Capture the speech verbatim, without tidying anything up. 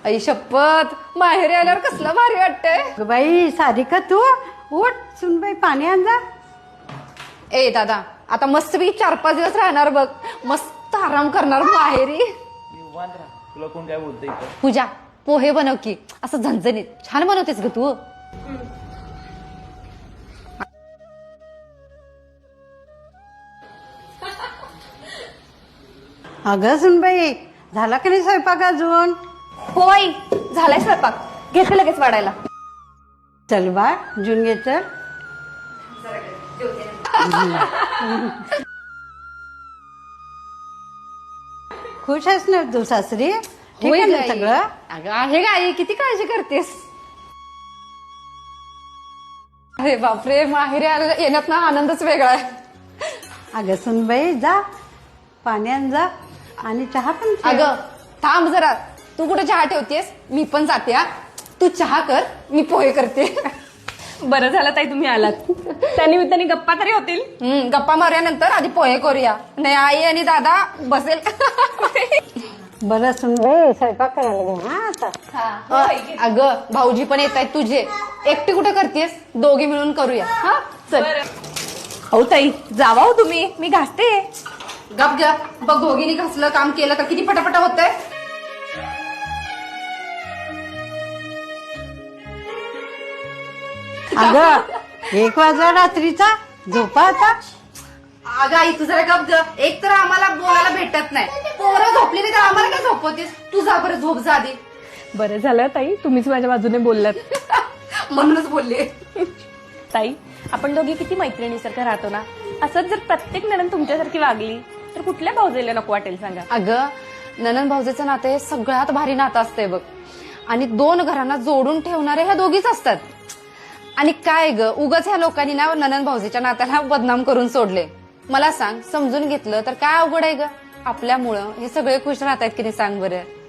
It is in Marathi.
आई शपथ, माहेरी आल्यावर कसलं भारी वाटतंय. अगं बाई सारिका तू उठ सुनबाई पाणी आण जा. ए दादा, आता मस्त मी चार पाच दिवस राहणार बघ, मस्त आराम करणार माहेरी. निवांत राहा. तुला कोण काय बोलतंय इथं? पूजा पोहे बनव की, असं झणझणीत छान बनवतेस ग तू. अगं सुनबाई झाला का नाही स्वयंपाक अजून? होय झालाय स्वयंपाक, घेते लगेच वाढायला. चल बा जून घे चल. खुश आहेस ना तू सासरी? ठीक होय आहे ना गाई. सगळं? अगं आहे गाई, किती काळजी करतेस. अरे बापरे, माहेरी आलेला येण्यात ना आनंदच वेगळा आहे. अगं सुनबाई जा पाणी आण जा आणि चहा पण ठेव. अगं थांब जरा, तू कुठे चहा ठेवतेस, मी पण जाते. हा तू चहा कर, मी पोहे करते. बरं झालं ताई तुम्ही आलात. त्यानिमित्ताने गप्पा तरी होतील. हम्म गप्पा मारूयानंतर आधी पोहे करूया. नाही आई आणि दादा बसेल. बरं सुनबाई स्वयंपाक करायला घे हा आता. अगं भाऊजी पण येत आहेत तुझे, एकटी कुठे करतेस, दोघी मिळून करूया. हा चल. हो ताई जावा हो तुम्ही, मी घासते. गप गप बघ, दोघींनी घासलं काम केलं तर किती पटापटा होतंय. अगं एक वाजला रात्रीचा, झोपा आता. अगं आई तू जरा गप ग, एक तर आम्हाला बोलायला भेटत नाही, पोरं झोपली नाही तर आम्हाला काय झोपवतेस. तू जा बरं, झोप जा आधी. बरं झालं ताई तुम्हीच माझ्या बाजूने बोललात. म्हणूनच बोलले. ताई आपण दोघी किती मैत्रिणीसारखं राहतो ना, असंच जर प्रत्येक नणंद तुमच्यासारखी वागली तर कुठल्या भाऊजेला नको वाटेल सांगा. अगं ननंद भाऊजेचं नातं हे सगळ्यात भारी नातं असतंय बघ, आणि दोन घरांना जोडून ठेवणारे ह्या दोघीच असतात. आणि काय ग, उगाच ह्या लोकांनी ना ननंद भाऊजेच्या नात्याला बदनाम करून सोडले. मला सांग, समजून घेतलं तर काय अवघड आहे ग. आपल्यामुळं हे सगळे खुश राहतायत की नाही सांग बरं.